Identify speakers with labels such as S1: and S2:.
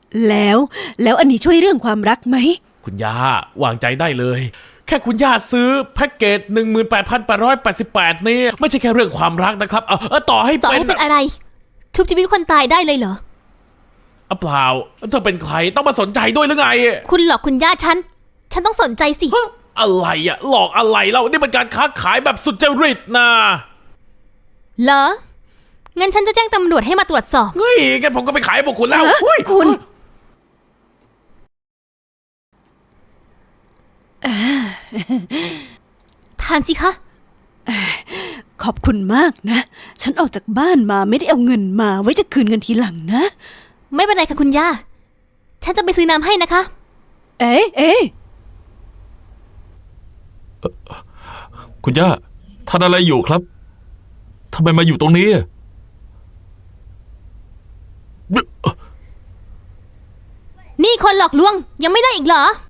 S1: แล้วอันนี้ช่วยเรื่องความรักไหม
S2: คุณย่าวางใจได้เลยแค่คุณย่าซื้อแพ็กเกจ 18,888 นี่ไม่ใช่แค่เรื่องความรักนะครับต่อให้
S3: เป็นอะไรชุบชีวิตคนตายได้เลยเหรอ
S2: เปล่าเธอเป็นใครต้องมาสนใจด้วยหรือไง
S3: คุณหลอกคุณย่าฉันต้องสนใจสิ
S2: อะไรอะหลอกอะไรเล่านี่เป็นการค้าขายแบบสุจริตนะ
S3: เหรองั้นฉันจะแจ้งตำรวจให้มาตรวจสอบ
S2: เฮ้ยงั้นผมก็ไปขายให้พวกคุณแล้ว
S1: คุณ
S3: ทานสิคะ
S1: ขอบคุณมากนะฉันออกจากบ้านมาไม่ได้เอาเงินมาไว้จะคืนเงินทีหลังนะ
S3: ไม่เป็นไรค่ะคุณย่าฉันจะไปซื้อน้ำให้นะคะ
S1: เอ๊ะ
S4: คุณย่าทานอะไรอยู่ครับทำไมมาอยู่ตรงนี้
S3: นี่คนหลอกลวงยังไม่ได้อีกเหรอ